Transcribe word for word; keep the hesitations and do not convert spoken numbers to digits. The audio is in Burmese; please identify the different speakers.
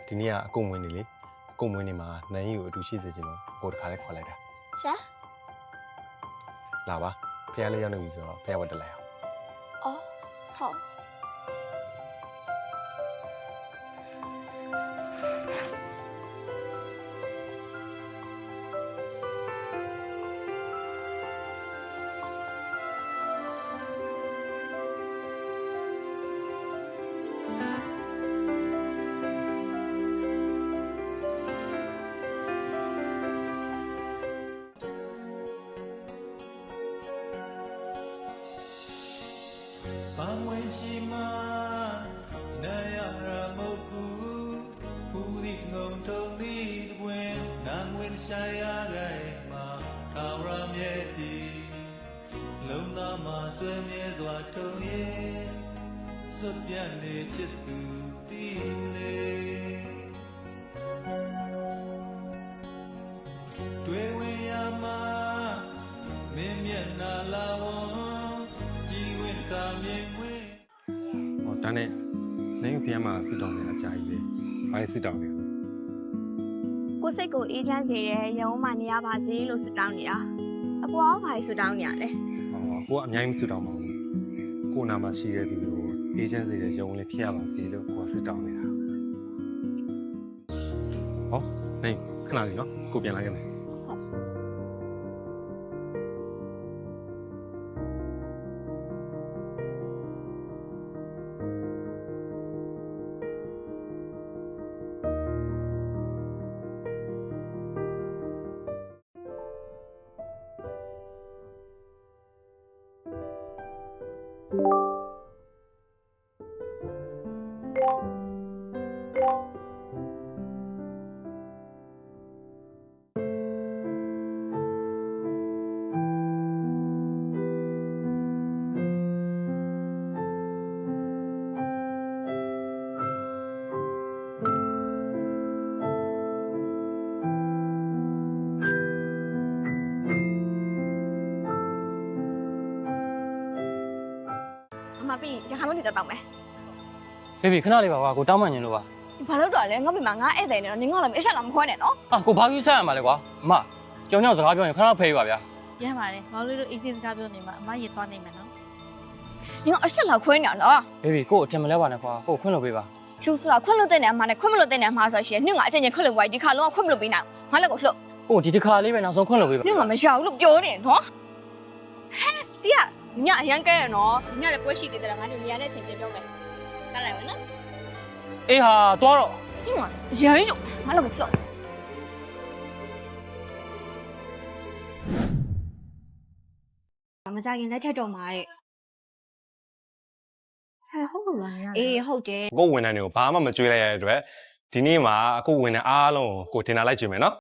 Speaker 1: ဒီနေ့ကအကုန်ဝင်နေလေအကုန်ဝင်နေမှာနန်းကြီးကိုအတူရှိစေချင်တော့ကိုတခါလေးခေါ်လိုက်တာ
Speaker 2: ရှာ
Speaker 1: လာပါဖះလေးရောက်နေပြီဆိုတော့ဖះဝတ်တက်လိုက်အောင်
Speaker 2: အော်ဟုတ်
Speaker 1: ဒါနဲ့နိုင်ဖះမှာစစ်တောင်းနေအကြာကြီးပဲဘာလဲစစ်တောင်းနေ
Speaker 2: ကိုစိတ်ကိုအေးချမ်းစေတဲ့ရုံးမှနေရပါစေလို့ဆုတောင်းနေတာအကွာဘာလို့ဆုတောင်းနေရလဲ
Speaker 1: ဟောကိုကအများကြီးမဆုတောင်းပါဘူးကိုနာမှာရှိတဲ့သူတွေကိုအေးချမ်းစေတဲ့ရုံးလေးဖြစ်ရပါစေလို့ကိုကဆုတောင်းနေတာဟောနိုင်ခဏလေးနော်ကိုပြန်လာခဲ့မယ်
Speaker 2: မပြီးရခိုင်မလို့တက်တော့မယ်
Speaker 3: ဖေဖေခဏလေးပါကွာကိုတောင်းမှန်ညင်လို့ပါ
Speaker 2: ဘာလို့တော့လဲငါ့မိမငါဧည့်သည်နေတော့နင်ငေါ့လည်းအဆက်လာမခွဲနဲ့နော်
Speaker 3: အာကိုဘာကြီးဆက်ရမှာလဲကွာအမကြောင်ကြောင်စကားပြောရင်ခဏဖေးပါဗျာ
Speaker 4: ရမ်းပါတယ်မောင်လေးတို့အေးစေးစကားပြောနေမှာအမရေသွားနေမယ်နော်
Speaker 2: နင်ကအဆက်လာခွဲနေနော်
Speaker 3: ဖေဖေကို့အထင်မလဲပါနဲ့ကွာကို့ခွင့်လို့ပေးပါ
Speaker 2: လူဆိုတာခွင့်လို့တဲ့နေမှာနဲ့ခွင့်မလို့တဲ့နေမှာဆိုရှင်နင်ကအချင်းချင်းခွင့်လို့ဝိုင်းဒီခါလုံးကခွင့်မလို့ပေးနိုင်ငါလည်းကိုလှုပ်
Speaker 3: ကို့ဒီတစ်ခါလေးပဲနောက်ဆုံးခွင့်လို့ပေးပါ
Speaker 2: နင်ကမရဘူးလို့ပြောနေနော်ဟဲ့တီးကညအရန်ကဲရနော်ညလည်းပွဲရှိသေးတယ်ငါတို့နေရာနဲ့ချိန်ပြပြောမယ်နားလိုက်မယ်နော်
Speaker 3: အေးဟာသွားတော့
Speaker 2: ဒီမှာရဲရုံငါလည်းကိုလှုပ်မကြခင်လက်ထက်တော့မှာတဲ့ဟဲ့ဟုတ်လားအေးဟုတ်တယ်
Speaker 1: ကိုဝင်တဲ့နေကိုဘာမှမကြွေးလိုက်ရတဲ့အတွက်ဒီနေ့မှာအခုဝင်တဲ့အားလုံးကိုတင်လာလိုက်ကြည့်မယ်နော်